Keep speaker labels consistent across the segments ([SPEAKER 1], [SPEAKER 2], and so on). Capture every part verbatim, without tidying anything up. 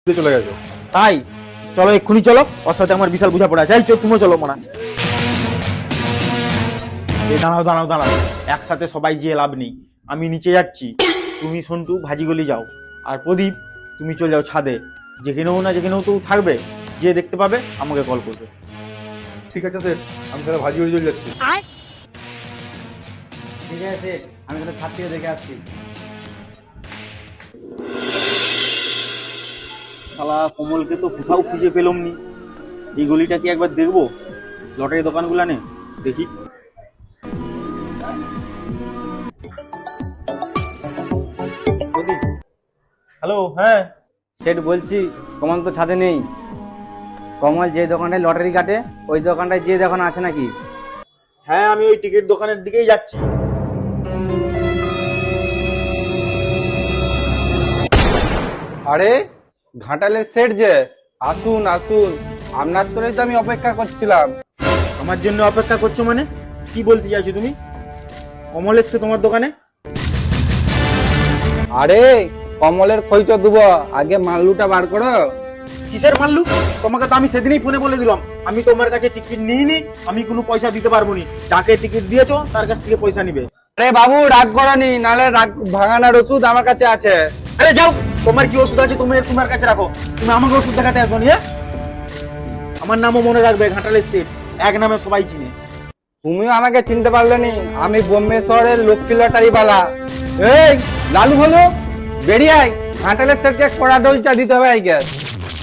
[SPEAKER 1] চলে গেছে।
[SPEAKER 2] তাই চলো এক্ষুনি চলো, ওর সাথে আমার বিশাল বোঝাপড়া আছে। চল তুমিও চলো মানা। এই দাঁড়াও দাঁড়াও দাঁড়াও, একসাথে সবাই যেয়ে লাভ নেই। আমি নিচে যাচ্ছি, তুমি সন্টু ভাজিগলি যাও, আর প্রদীপ তুমি চলে যাও ছাদে। যেখানেও না যেখানেও তো থাকবে, যে দেখতে পাবে আমাকে কল করবে।
[SPEAKER 1] ঠিক আছে স্যার, আমি তাহলে ভাজি হয়ে চলে যাচ্ছি।
[SPEAKER 2] ঠিক আছে, আমি তাহলে ছাদ থেকে দেখে আসছি। শালা কমলকে তো কোথাও খুঁজে পেলাম নি। এই গলিটা কি একবার দেখবো, লটারি দোকানগুলো নে দেখি। হ্যালো, হ্যাঁ
[SPEAKER 3] সেট বলছি, কমল তো ছাদে নেই। কমল যে দোকানটায় লটারি কাটে ওই দোকানটায় যে দোকান আছে নাকি?
[SPEAKER 2] হ্যাঁ আমি ওই টিকিট দোকানের দিকেই যাচ্ছি।
[SPEAKER 4] আরে ঘাটালের সেট যে, আসুন আসুন, আপনার তোরই তো আমি অপেক্ষা করছিলাম।
[SPEAKER 2] আমার জন্য অপেক্ষা করছো মানে কি বলতে চাইছো তুমি? কমল এসছে তোমার দোকানে?
[SPEAKER 4] আরে কমলের খই তো দেবো, আগে মাল্লুটা বার করো।
[SPEAKER 2] কিসের মাল্লু? তোমাকে তো আমি সেদিনই ফোনে বলে দিলাম আমি তোমার কাছে টিকিট নিইনি, আমি কোনো পয়সা দিতে পারবো নি। যাকে টিকিট দিয়েছো তার কাছ থেকে পয়সা নিবে।
[SPEAKER 4] আরে বাবু রাগ করনি, নালে রাগ ভাঙানোর ওষুধ আমার কাছে আছে।
[SPEAKER 2] আরে যাও, তোমার কি ওষুধ আছে তুমি তোমার কাছে রাখো, তুমি আমাকে ওষুধ দেখাতে আসো নি। হ্যাঁ, আমার নামও মনে রাখবে, ঘাটালের সেট, এক নামে সবাই চিনে।
[SPEAKER 4] তুমিও আমাকে চিনতে পারলে নি, আমি বোম্বে শহরের লক্ষ্মী লটারি বালা। এই লালু হলো বেরিয়ে আয়, ঘাটালের সেটকে কড়া ডোজটা দিতে হবে আই গ্যাস।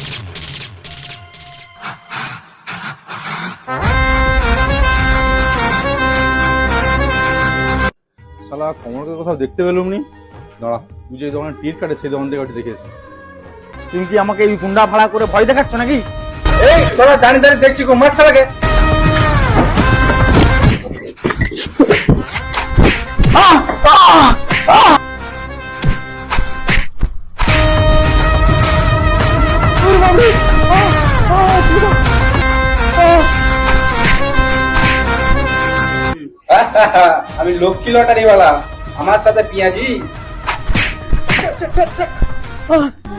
[SPEAKER 1] শালা কমলকে কোথাও দেখতে পেলাম নি। দাঁড়া, তুই যে দোকানে টিকিট কাটে সেই দোকান থেকে ওটি দেখেছি।
[SPEAKER 2] তুমি কি আমাকে এই গুন্ডা ভাড়া করে ভয় দেখাচ্ছ নাকি?
[SPEAKER 4] এই তোরা দাঁড়িয়ে দাঁড়িয়ে দেখছি কো মাছ লাগে। আমি লক্ষ্মী লটারি वाला, আমার সাথে পিয়াজি।